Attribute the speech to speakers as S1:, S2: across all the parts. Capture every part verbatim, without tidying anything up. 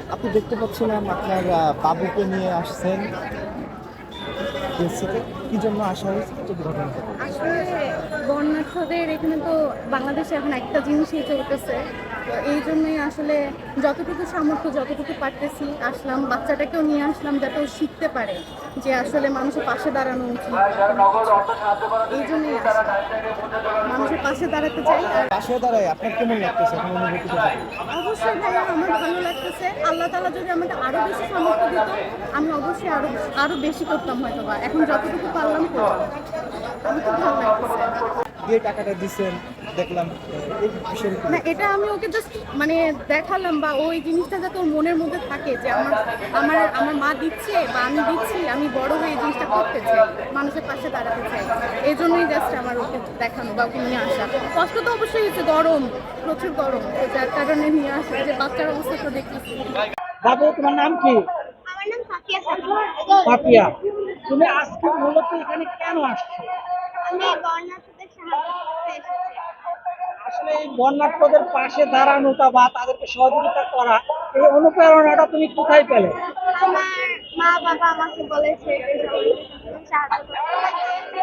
S1: আপনি দেখতে পাচ্ছিলাম আপনার আহ, বাবুকে নিয়ে আসছেন দেশ থেকে। কি জন্য আসা হয়েছে যদি ঘটনাটা বলেন।
S2: আসলে বন্যার্থদের এখানে তো বাংলাদেশে এখন একটা জিনিসই চলতেছে, তো এই জন্যই আসলে যতটুকু সামর্থ্য যতটুকু পারতেছি আসলাম, বাচ্চাটাকেও নিয়ে আসলাম যাতে ও শিখতে পারে যে আসলে মানুষের পাশে দাঁড়ানো উচিত। এই জন্যই আসলাম, মানুষের পাশে দাঁড়াতে চাই। আর
S1: পাশে দাঁড়ায় আপনার কেমন লাগতেছে এখন অনুভূতিটা বলেন।
S2: অবশ্যই ভাইয়া আমার ভালো লাগতেছে, আল্লাহ তাআলা যদি আমাকে আরো বেশি সামর্থ্য দিত আমি অবশ্যই আরো আরো বেশি করতাম হয়তো বা, এখন যতটুকু পারলাম করলাম। আমি খুব ভালো লাগতেছে।
S1: যে টাকাটা দিচ্ছেন দেখলাম আহ, এই বিষয়ে কি
S2: না, এটা আমি ওকে জাস্ট মানে দেখালাম, বা ওই জিনিসটা যাতে ওর মনের মধ্যে থাকে যে আমার আমার আমার মা দিচ্ছে বা আমি দিচ্ছি, আমি বড় হয়ে এই জিনিসটা করতে চাই, মানুষের পাশে দাঁড়াতে চাই। এই জন্যই জাস্ট আমার ওকে দেখানো বা ওকে নিয়ে আসা। কষ্ট তো অবশ্যই হচ্ছে, গরম, প্রচুর গরম, তো যার কারণে নিয়ে আসা, যে বাচ্চার অবস্থা তো দেখতেছি।
S3: বাবু, তোমার নাম কি?
S2: আমার নাম সাফিয়া সাকিব।
S3: পাপিয়া। তুমি আজকে মূলত এখানে কেন আসছো?
S2: আমি বন্যার্থদের সাহায্য করতে এসেছি।
S3: আসলে এই বন্যার্থদের পাশে দাঁড়ানোটা বা তাদেরকে সহযোগিতা করা, এই অনুপ্রেরণাটা তুমি কোথায় পেলে?
S2: আমার মা বাবা আমাকে বলেছে যে সবাইকে সাহায্য করতে।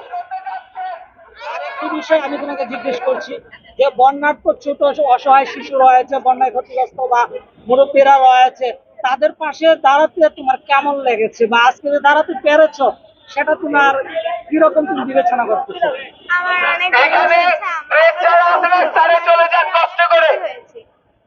S3: আরেকটি বিষয় আমি তোমাকে জিজ্ঞেস করছি, যে বন্যার্থ ছোট অসহায় শিশু রয়েছে, বন্যায় ক্ষতিগ্রস্ত বা মুরব্বীরা রয়েছে, তাদের পাশে দাঁড়াতে তোমার কেমন লেগেছে বা আজকে যে দাঁড়াতে পেরেছো সেটা তোমার কিরকম তুমি বিবেচনা করতেছো?
S2: আমার অনেক ভালো লেগেছে। আমার হয়েছে।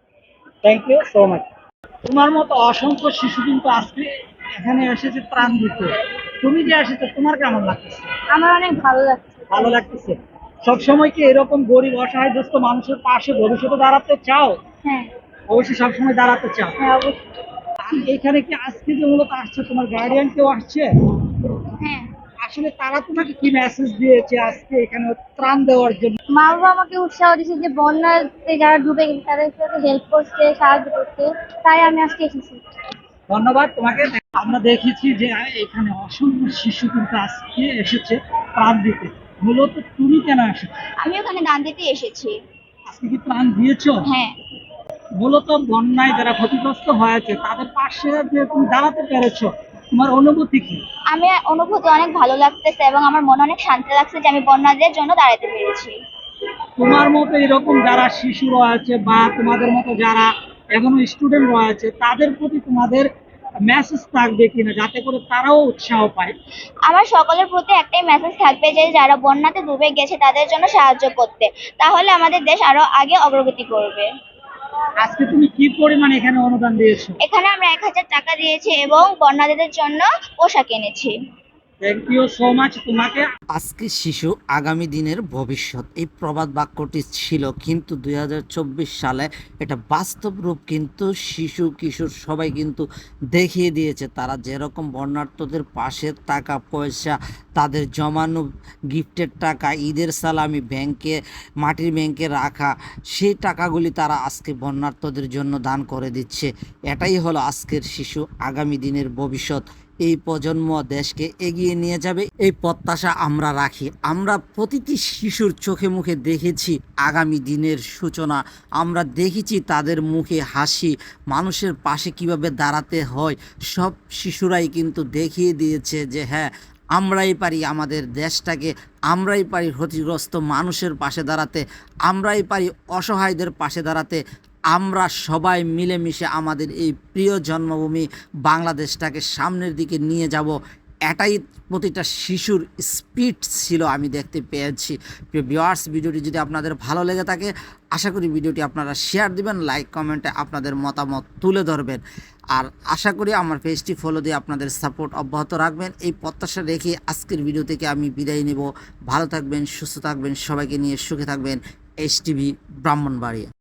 S3: Thank you so much. তোমার মতো অসংখ্য শিশু কিন্তু আজকে এখানে এসেছে ত্রাণ দিতে। তুমি যে এসেছো তোমার কেমন লাগতেছে?
S2: আমার অনেক ভালো লাগছে।
S3: ভালো লাগতেছে। সবসময় কি এরকম গরিব অসহায়গ্রস্ত মানুষের পাশে ভবিষ্যতে দাঁড়াতে চাও?
S2: হ্যাঁ,
S3: অবশ্যই সবসময় দাঁড়াতে চাও।
S2: হ্যাঁ অবশ্যই।
S3: আর এখানে কি আজকে যে মূলত আসছে তোমার গার্ডিয়ান কেউ আসছে?
S2: হ্যাঁ,
S3: আসলে তারা তোমাকে কি মেসেজ দিয়েছে আজকে এখানে ত্রাণ দেওয়ার জন্য?
S2: মা বাবা আমাকে উৎসাহ দিয়েছে যে বন্যাতে যারা ডুবে গেছে তাদের সাথে হেল্প করতে, সাহায্য করতে, তাই আমি আজকে এসেছি।
S3: ধন্যবাদ তোমাকে। আমরা দেখেছি যে এখানে অসংখ্য শিশু কিন্তু আজকে এসেছে ত্রাণ দিতে। মূলত তুমি কেন এসেছো?
S2: আমি ওখানে দান দিতে এসেছি।
S3: আজকে কি ত্রাণ দিয়েছো?
S2: হ্যাঁ,
S3: মূলত বন্যায় যারা ক্ষতিগ্রস্ত হয়েছে তাদের পাশে যে তুমি দাঁড়াতে পেরেছো, তোমার অনুভূতি কি?
S2: আমি অনুভূতি অনেক ভালো লাগতেছে এবং আমার মনে অনেক শান্তি লাগছে যে আমি বন্যাদের জন্য দাঁড়াতে পেরেছি।
S3: তোমার মতো এরকম যারা শিশু রয়েছে বা তোমাদের মতো যারা এখনো স্টুডেন্ট রয়েছে তাদের প্রতি তোমাদের মেসেজ থাকবে কিনা যাতে করে তারাও উৎসাহ পায়?
S2: আমার সকলের প্রতি একটাই মেসেজ থাকবে যে যারা বন্যাতে ডুবে গেছে তাদের জন্য সাহায্য করতে, তাহলে আমাদের দেশ আরো আগে অগ্রগতি করবে।
S3: আজকে তুমি কি পরিমাণ এখানে অনুদান দিয়েছো?
S2: এখানে আমরা এক হাজার টাকা দিয়েছি এবং বন্যাদের জন্য পোশাক এনেছি।
S3: থ্যাংক ইউ সো মাচ তোমাকে।
S4: আজকে শিশু আগামী দিনের ভবিষ্যৎ, এই প্রবাদ বাক্যটি ছিল, কিন্তু দুই হাজার চব্বিশ সালে এটা বাস্তব রূপ কিন্তু শিশু কিশোর সবাই কিন্তু দেখিয়ে দিয়েছে। তারা যেরকম বন্যার্থদের পাশে টাকা পয়সা, তাদের জমানো গিফটের টাকা, ঈদের সালামি ব্যাংকে, মাটির ব্যাংকে রাখা, সেই টাকাগুলি তারা আজকে বন্যার্থদের জন্য দান করে দিচ্ছে। এটাই হলো আজকের শিশু আগামী দিনের ভবিষ্যৎ। এই প্রজন্ম দেশকে এগিয়ে নিয়ে যাবে, এই প্রত্যাশা আমরা রাখি। আমরা প্রতিটি শিশুর চোখে মুখে দেখেছি আগামী দিনের সূচনা, আমরা দেখেছি তাদের মুখে হাসি, মানুষের পাশে কিভাবে দাঁড়াতে হয়। সব শিশুরাই কিন্তু দেখিয়ে দিয়েছে যে হ্যাঁ, আমরাই পারি আমাদের দেশটাকে, আমরাই পারি ক্ষতিগ্রস্ত মানুষের পাশে দাঁড়াতে, আমরাই পারি অসহায়দের পাশে দাঁড়াতে। আমরা সবাই মিলেমিশে আমাদের এই প্রিয় জন্মভূমি বাংলাদেশটাকে সামনের দিকে নিয়ে যাব, এটাই প্রতিটা শিশুর স্পিড ছিল আমি দেখতে পেয়েছি। প্রিয় ভিউয়ার্স, ভিডিওটি যদি আপনাদের ভালো লেগে থাকে আশা করি ভিডিওটি আপনারা শেয়ার দিবেন, লাইক কমেন্টে আপনাদের মতামত তুলে ধরবেন, আর আশা করি আমার পেজটি ফলো দিয়ে আপনাদের সাপোর্ট অব্যাহত রাখবেন। এই প্রত্যাশা রেখে আজকের ভিডিও থেকে আমি বিদায় নেব। ভালো থাকবেন, সুস্থ থাকবেন, সবাইকে নিয়ে সুখে থাকবেন। H TV Brahmanbaria.